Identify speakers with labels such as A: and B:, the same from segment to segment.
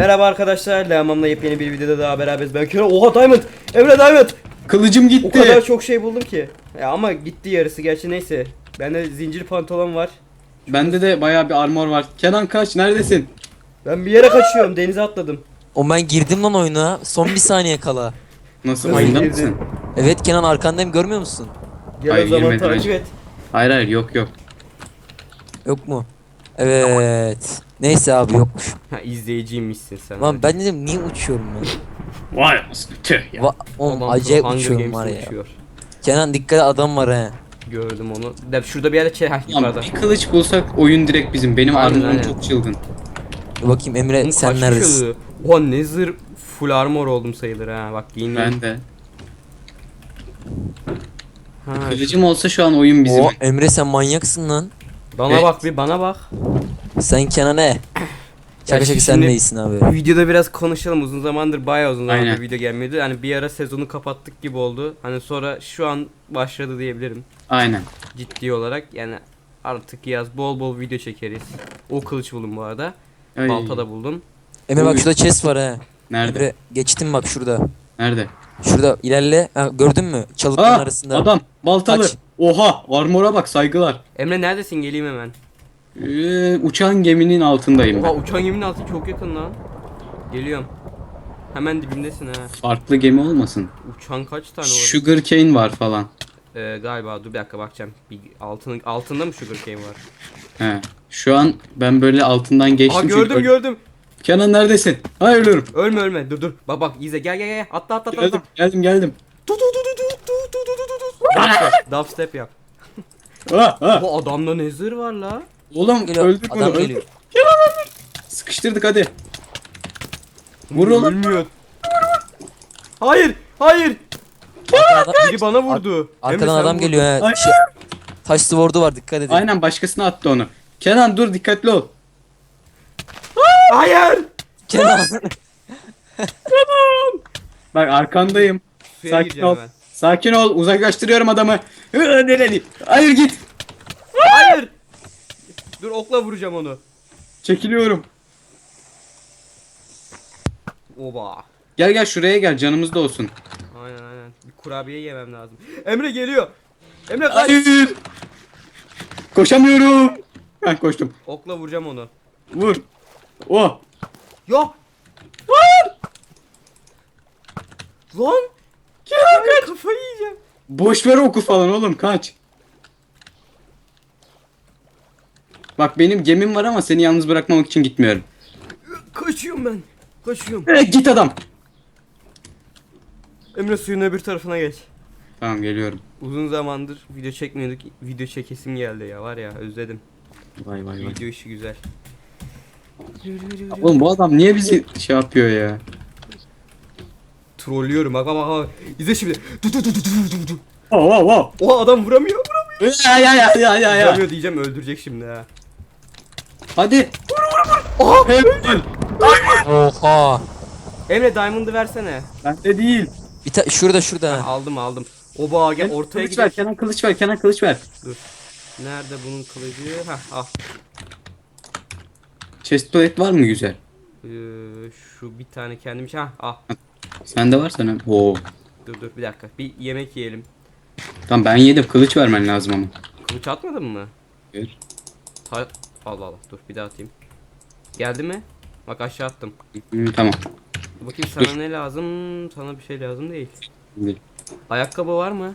A: Merhaba arkadaşlar, Lehamam'la yepyeni bir videoda daha beraberiz. Ben Kerem. Oha Diamond! Emre Diamond!
B: Kılıcım gitti.
A: O kadar çok şey buldum ki. Ya ama gitti yarısı gerçi, neyse. Bende zincir pantolon var.
B: Bende de bayağı bir armor var. Kenan kaç, neredesin?
A: Ben bir yere kaçıyorum, denize atladım.
C: O ben girdim lan oyuna. Son bir saniye kala.
B: Nasıl,
A: Nasıl
B: oyunda
A: girdin?
B: mısın?
C: Evet Kenan arkandayım görmüyor musun?
A: Gel
B: Hayır,
A: o zaman
B: girmedim
A: takip
B: ben.
A: et.
B: Hayır hayır, yok yok.
C: Yok mu? Evet. Neyse abi yokmuş.
A: Ha, izleyiciymişsin sen.
C: Lan ben dedim niye uçuyorum ben?
B: Vay anasını, tüh ya.
C: Oğlum
A: Adam
C: acayip
A: Hunger
C: uçuyorum var
A: Games'te
C: ya.
A: uçuyor.
C: Kenan dikkat et, adam var he.
A: Gördüm onu. Şurada bir yerde
B: Lan
A: yukarıda.
B: bir kılıç bulsak oyun direkt bizim. Benim
A: Aynen,
B: armorum
A: aynen.
B: çok çılgın.
C: Dur bakayım Emre
A: Oğlum
C: sen
A: kaç
C: neredesin?
A: kişi? Oha ne zırh, full armor oldum sayılır ha. Bak giyineyim.
B: Ben de.
A: Ha,
B: Kılıcım olsa şu an oyun bizim.
C: Oo Emre sen manyaksın lan.
A: bana
B: Evet.
A: bak bir, bana bak.
C: Sen Kenan ne? Şaka şaka sen
A: şimdi-
C: neysin abi?
A: Bu videoda biraz konuşalım. Uzun zamandır, bayağı uzun zamandır
B: Aynen.
A: video gelmiyordu. Hani bir ara sezonu kapattık gibi oldu. Hani sonra şu an başladı diyebilirim.
B: Aynen.
A: Ciddi olarak yani artık yaz bol bol video çekeriz. O kılıç buldum bu arada.
B: Ay.
A: Balta da buldum.
C: Emre bak
B: Oy.
C: şurada chest var he.
B: Nerede?
C: Emre geçtim bak şurada.
B: Nerede?
C: Şurada ilerle. Ha, gördün mü? Çalıkların arasında.
B: Adam baltalı.
C: Kaç.
B: Oha, armora bak, saygılar.
A: Emre neredesin? Geleyim hemen.
B: Uçan geminin altındayım
A: Oha
B: ben.
A: uçan geminin altı çok yakın lan. Geliyorum. Hemen dibimdesin ha.
B: Farklı gemi olmasın.
A: Uçan kaç tane var?
B: Sugar cane var falan.
A: Galiba dur bir dakika bakacağım. Bir altında mı sugar cane var?
B: He. Şu an ben böyle altından geçtim.
A: Aa
B: çünkü
A: gördüm gördüm.
B: Kenan neredesin? Hayır, ölürüm.
A: Ölme ölme. Dur dur. Bak bak izle, gel. Atla atla atla.
B: Geldim geldim geldim.
A: Dubstep yap.
B: Ah.
A: Bu adamda ne zırh var la?
B: Oğlum
C: Geliyor.
B: öldük
C: Adam
B: onu.
C: geliyor.
B: Sıkıştırdık hadi. Vur oğlum.
A: Ölmüyor. Hayır. Hayır.
C: Arkadan,
A: Biri bana vurdu. Emre,
C: arkadan
A: sen
C: adam
A: vurdun.
C: geliyor he.
B: Ay.
C: Taş sword'u var dikkat edin.
B: Aynen, başkasına attı onu. Kenan dur, dikkatli ol.
A: Hayır.
C: Kenan.
B: Bak arkandayım.
A: Suya
B: Sakin
A: gireceğim
B: ol.
A: hemen.
B: Sakin ol, uzaklaştırıyorum adamı. Nereli? Hayır, git.
A: Hayır. Dur okla vuracağım onu.
B: Çekiliyorum.
A: Oba.
B: Gel gel, şuraya gel, canımız da olsun.
A: Aynen. Bir kurabiye yemem lazım. Emre geliyor. Emre kaç.
B: Hayır. Koşamıyorum. Ben koştum.
A: Okla vuracağım onu.
B: Vur. Oh.
A: Yok. Lan. Ay, kafayı yiyeceğim.
B: Boş ver oku falan oğlum, kaç. Bak benim gemim var ama seni yalnız bırakmamak için gitmiyorum.
A: Kaçıyorum ben. Kaçıyorum.
B: Git adam.
A: Emre suyun öbür tarafına geç.
B: Tamam, geliyorum.
A: Uzun zamandır video çekmiyorduk. Video çekesim geldi ya, var ya, özledim.
B: Vay vay vay.
A: Video işi güzel.
B: Oğlum bu adam niye bizi şey yapıyor ya?
A: Trollüyorum bak. İzle şimdi.
B: Oh oh oh.
A: Oha adam vuramıyor.
B: Ya.
A: Vuramıyor diyeceğim, öldürecek şimdi ha.
B: Hadi.
A: Oha.
B: Helal.
C: Oha.
A: Emre Diamond'ı versene.
B: Bende değil.
C: Şurada.
A: Aldım. Oba gel ortaya
B: Kılıç ver,
A: gidelim.
B: Kenan kılıç ver, Kenan kılıç ver.
A: Dur. Nerede bunun kılıcı? Hah al.
B: Chestplate var mı güzel?
A: Şu bir tane kendim için. Hah al.
B: Sende var sana. Oo.
A: Dur bir dakika. Bir yemek yiyelim.
B: Tamam ben yedim, kılıç vermen lazım ama.
A: Kılıç atmadın mı?
B: Ver.
A: Allah dur bir daha atayım. Geldi mi? Bak aşağı attım.
B: Tamam.
A: Dur bakayım sana ne lazım? Sana bir şey lazım değil.
B: Değil.
A: Ayakkabı var mı?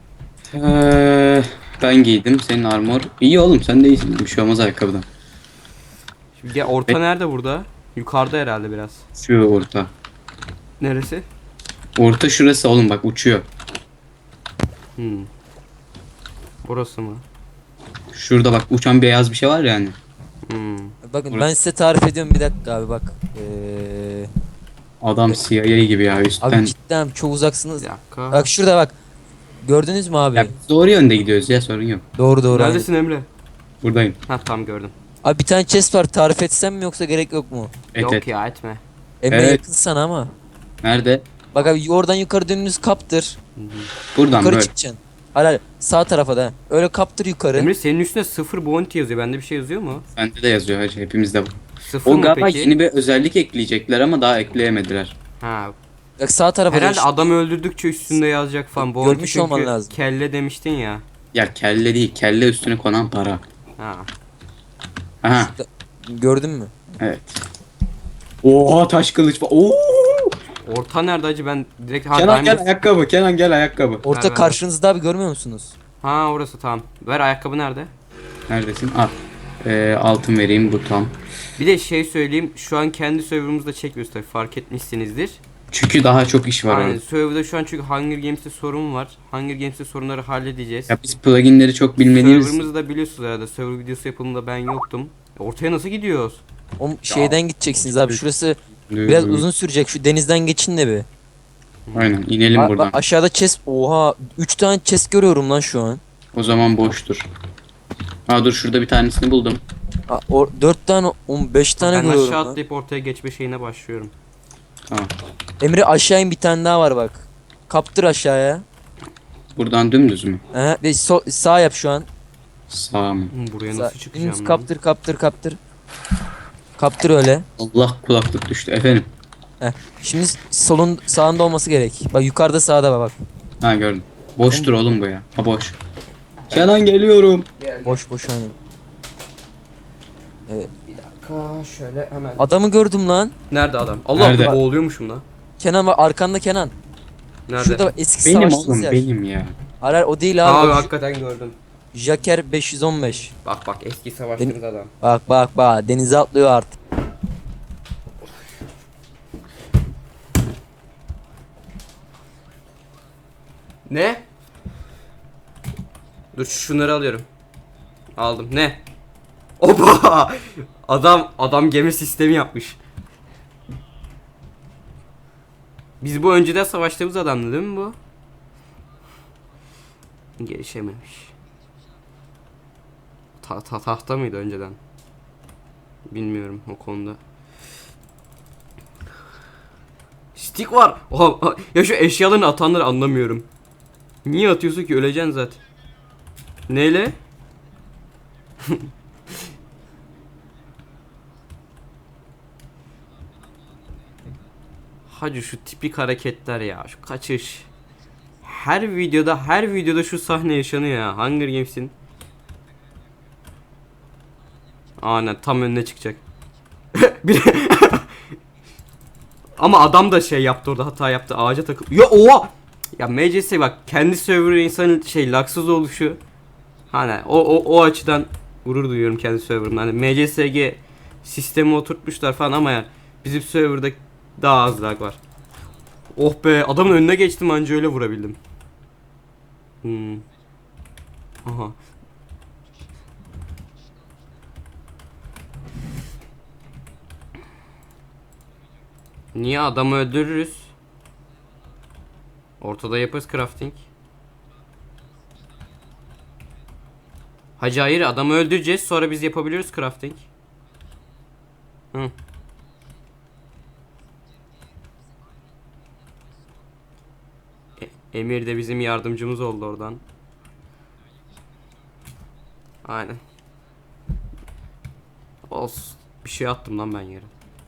B: Ben giydim, senin armor. İyi oğlum, sen de iyisin. Bir şey olmaz ayakkabıdan.
A: Şimdi gel, orta nerede burada? Yukarıda herhalde biraz.
B: Şu orta.
A: Neresi?
B: Orta şurası oğlum, bak uçuyor.
A: Burası mı?
B: Şurada bak uçan beyaz bir şey var yani.
C: Bakın
B: Burası.
C: ben size tarif ediyorum bir dakika abi bak.
B: Adam CIA gibi ya üstten.
C: Abi cidden çok uzaksınız.
A: Bir dakika.
C: Bak şurada bak. Gördünüz mü abi?
B: Ya biz doğru yönde gidiyoruz ya, sorun yok.
C: Doğru.
A: Neredesin Emre?
B: Buradayım.
A: Ha tam gördüm.
C: Abi bir tane chest var tarif etsem mi yoksa gerek yok mu?
A: Yok
B: Et.
A: ya etme.
C: Emre
B: Evet.
C: yakın sana ama.
B: Nerede?
C: Bak abi oradan yukarı dönünüz kaptır.
B: Buradan
C: Yukarı
B: böyle.
C: çıkacaksın. Hayır sağ tarafa da. Öyle kaptır yukarı.
A: Emre senin üstüne 0 bounty yazıyor. Bende bir şey yazıyor mu?
B: Bende de yazıyor hacı, hepimizde var.
A: Sıfır
B: O
A: mı
B: galiba
A: peki?
B: yeni bir özellik ekleyecekler ama daha ekleyemediler.
A: Ha.
C: Bak sağ tarafa
A: Herhalde
C: geç.
A: adamı öldürdükçe üstünde yazacak falan. Bu
C: Görmüş
A: çünkü
C: olman lazım.
A: kelle demiştin ya.
B: Ya kelle değil, kelle üstüne konan para.
A: Ha.
B: Aha,
C: Gördün mü?
B: evet. Oha taş kılıç var. Oo!
A: Orta nerede acı, ben direkt
B: Kenan gel
A: Diamond-
B: ayakkabı, Kenan gel ayakkabı.
C: Orta
A: ver.
C: karşınızda abi, görmüyor musunuz?
A: Ha orası tamam. Ver, ayakkabı nerede?
B: Neredesin? Al. Altın vereyim bu tam.
A: Bir de şey söyleyeyim, şu an kendi serverımızda çekmiyoruz tabii, fark etmişsinizdir.
B: Çünkü daha çok iş var
A: Aynen,
B: orada.
A: serverda şu an çünkü Hunger Games'te sorun var. Hunger Games'te sorunları halledeceğiz.
B: Ya biz pluginleri çok bilmediğimiz
A: Serverımızı da biliyorsunuz herhalde, server videosu yapımında ben yoktum. Ortaya nasıl gidiyoruz?
C: O şeyden gideceksiniz abi. Şurası
B: için.
C: biraz uzun sürecek. Şu denizden geçin de bir.
B: Aynen inelim
C: Bak,
B: buradan.
C: aşağıda chest. Oha, 3 tane chest görüyorum lan şu an.
B: O zaman boştur. Aa dur şurada bir tanesini buldum.
C: 4 tane, 15 tane
A: Ben
C: görüyorum
A: aşağı
C: lan.
A: atlayıp ortaya geçme şeyine başlıyorum.
B: Tamam.
C: Emre aşağı in, bir tane daha var bak. Kaptır aşağıya.
B: Buradan dümdüz mü?
C: Ve sağ yap şu an.
B: Sağ mı?
A: Buraya
C: Sağ.
A: nasıl çıkacağım
C: Dümdüz
A: lan?
C: kaptır kaptır kaptır. Kaptır öyle.
B: Allah kulaklık düştü efendim.
C: Şimdi solun sağında olması gerek. Bak yukarıda, sağda bak.
B: Ha gördüm. Boştur oğlum bu ya. Ha boş. Kenan geliyorum.
C: Boş boş hani.
A: Bir dakika şöyle hemen.
C: Adamı gördüm lan.
A: Nerede adam? Allah,
B: Nerede?
A: boğuluyormuşum lan.
C: Kenan var arkanda, Kenan.
A: Nerede?
C: Şurada bak, eski
B: Benim
C: savaşçınız
B: oğlum
C: yer.
B: benim ya.
C: Hayır o değil abi.
A: Abi
C: O
A: hakikaten gördüm.
C: Jacker 515.
A: Bak bak, eski savaştığımız adam.
C: Bak bak bak, denize atlıyor artık.
A: Ne? Dur şunları alıyorum. Aldım. Ne? Oba! Adam gemi sistemi yapmış. Biz bu önceden savaştığımız adamdı değil mi bu? Gelişememiş. Tahta mıydı önceden? Bilmiyorum o konuda. Stick var. Oha, ya şu eşyalarını atanları anlamıyorum. Niye atıyorsun ki, öleceksin zaten. Neyle? Hacı şu tipik hareketler ya, şu kaçış. Her videoda şu sahne yaşanıyor ya. Hunger Games'in. Aynen tam önüne çıkacak. Bir Ama adam da şey yaptı orada, hata yaptı, ağaca takıldı. Ya oha! Ya MCS bak, kendi server insanın laksız oluşu. Hani o açıdan gurur duyuyorum kendi serverımda. Hani MCSG sistemi oturtmuşlar falan ama yani bizim serverda daha az lag var. Oh be, adamın önüne geçtim anca öyle vurabildim. Aha. Niye adamı öldürürüz? Ortada yaparız crafting. Hacı hayır, adamı öldüreceğiz sonra biz yapabiliyoruz crafting. Hı. Emir de bizim yardımcımız oldu oradan. Aynen. Olsun. Bir şey attım lan ben yere.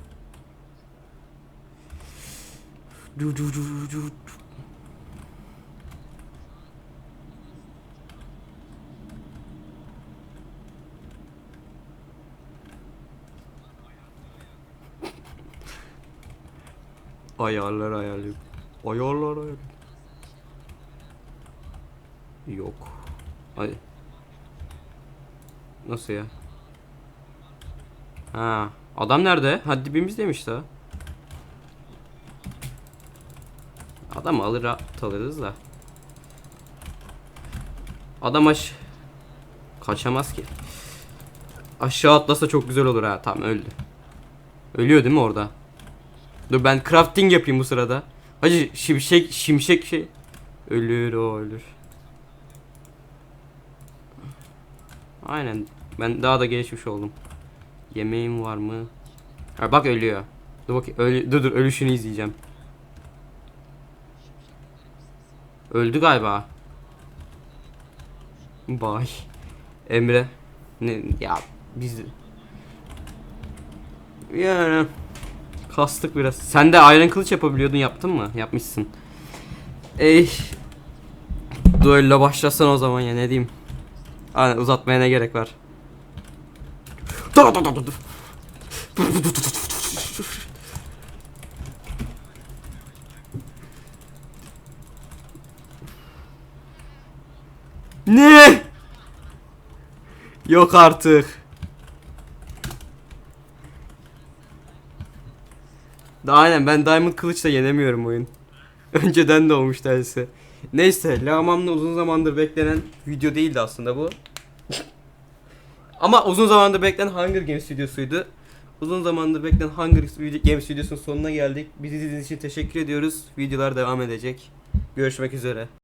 A: Ayarlar. Yok. Hadi. Nasıl ya? Ha, adam nerede? Hadi dibimiz demiş daha. Adam alırız da. Adam kaçamaz ki. Aşağı atlasa çok güzel olur ha. Tamam, öldü. Ölüyor değil mi orada? Dur ben crafting yapayım bu sırada. Hacı şimşek şey. Ölür o ölür. Aynen. Ben daha da gelişmiş oldum. Yemeğim var mı? Ha, bak ölüyor. Dur bakayım. Dur ölüşünü izleyeceğim. Öldü galiba. Bay. Emre. Ne ya biz Yani kastık biraz. Sen de Iron kılıç yapabiliyordun, yaptın mı? Yapmışsın. Ey. Duello başlasan o zaman ya, ne diyeyim. Hani uzatmaya ne gerek var? Dur dur dur dur. Ne? Yok artık. Aynen, ben Diamond kılıçla yenemiyorum oyun. Önceden de olmuş tersi. Neyse, Lağmam'la uzun zamandır beklenen video değildi aslında bu. Ama uzun zamandır beklenen Hunger Games videosuydu. Uzun zamandır beklenen Hunger Games videosunun sonuna geldik. Bizi izlediğiniz için teşekkür ediyoruz. Videolar devam edecek. Görüşmek üzere.